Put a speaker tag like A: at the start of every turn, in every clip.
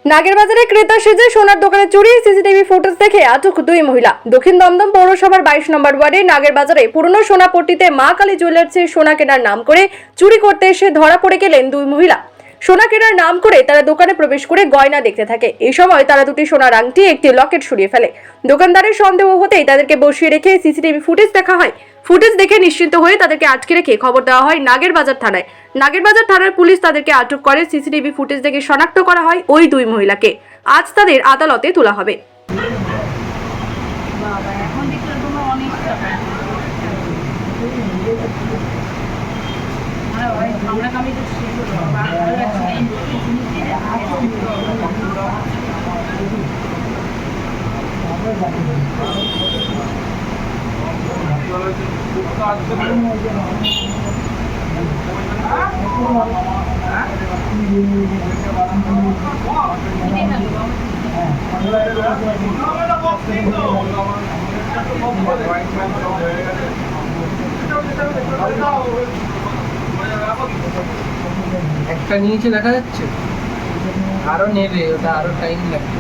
A: নাগেরবাজারে ক্রেতা সেজে সোনার দোকানে চুরি, সিসিটিভি ফুটেজ দেখে আটক দুই মহিলা। দক্ষিণ দমদম পৌরসভার 22 নম্বর ওয়ার্ডে নাগেরবাজারে পুরনো সোনাপট্টিতে মা কালী জুয়েলার্সে সোনা কেনার নাম করে চুরি করতে এসে ধরা পড়ে গেলেন দুই মহিলা। সোনা কেনার নাম করে তারা দোকানে প্রবেশ করে গয়না দেখতে থাকে। এই সময় তারা দুটি সোনার আংটি, একটি লকেট সরিয়ে ফেলে। দোকানদারের সন্দেহ হতেই তাদেরকে বসিয়ে রেখে সিসিটিভি ফুটেজ দেখা হয়। ফুটেজ দেখে নিশ্চিন্ত হয়ে তাদেরকে আটকে রেখে খবর দেওয়া হয় নাগেরবাজার থানায়। নাগেরবাজার থানার পুলিশ তাদেরকে আটক করে। সিসিটিভি ফুটেজ দেখে শনাক্ত করা হয় ওই দুই মহিলাকে। আজ তাদের আদালতে তোলা হবে।
B: একটা নিচে দেখা যাচ্ছে, আরো নেবে, ওটা আরো টাইম লাগবে।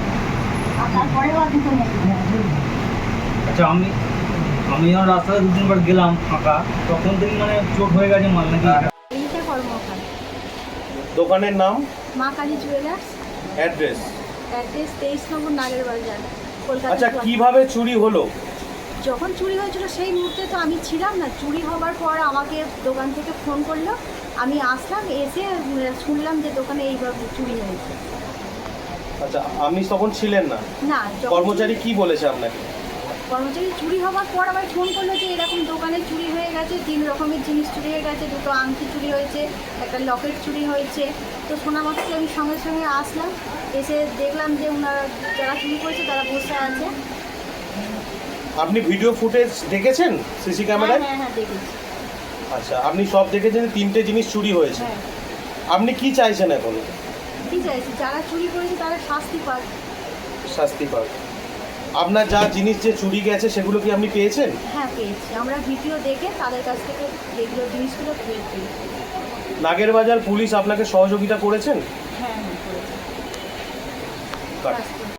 C: আচ্ছা, আমি যখন রাস্তায় দু তিনবার গেলাম ফাঁকা, তখন থেকে মানে চোট হয়ে গেছে মাল নাকি?
D: এইটা কর্মকার
E: দোকানের নাম,
D: Maa Kali jewellers,
E: address.
D: Address 23 number Nagerbazar, Kolkata.
E: আচ্ছা, কিভাবে চুরি হলো?
D: যখন চুরি হয়েছিল সেই মুহূর্তে তো আমি ছিলাম না। চুরি হওয়ার পর আমাকে দোকান থেকে ফোন করলো, আমি আসলাম, এসে শুনলাম যে দোকানে এইভাবে চুরি হয়েছে।
E: আচ্ছা, আপনি তখন ছিলেন না?
D: না,
E: কর্মচারী কি বলেছে আপনাকে?
D: কর্মচারী চুরি হওয়ার পর আমায় ফোন করলো যে এরকম দোকানে চুরি হয়ে গেছে, 3 রকমের জিনিস চুরি হয়ে গেছে, দুটো আংটি চুরি হয়েছে, একটা লকেট চুরি হয়েছে। তো শোনা মাত্রই আমি সঙ্গে সঙ্গে আসলাম, এসে দেখলাম যে ওনারা যারা চুরি করেছে তারা বসে আছে।
E: আপনি ভিডিও ফুটেজ দেখেছেন সিসি ক্যামেরায়?
D: হ্যাঁ, দেখেছি।
E: আচ্ছা, আপনি সব দেখেছেন, 3টে জিনিস চুরি হয়েছে।
D: হ্যাঁ।
E: আপনি কি চাইছেন এখন?
D: কি চাইছি, যারা চুরি করেছে তারা শাস্তি পাক।
E: শাস্তি পাক। আপনার যা জিনিস যে চুরি গেছে সেগুলো কি আপনি পেয়েছেন?
D: হ্যাঁ, পেয়েছি। আমরা ভিডিও দেখে তাদের কাছ থেকে যেগুলো জিনিসগুলো পেয়েছি।
E: নাগেরবাজার পুলিশ আপনাকে সহযোগিতা করেছেন?
D: হ্যাঁ, করেছি।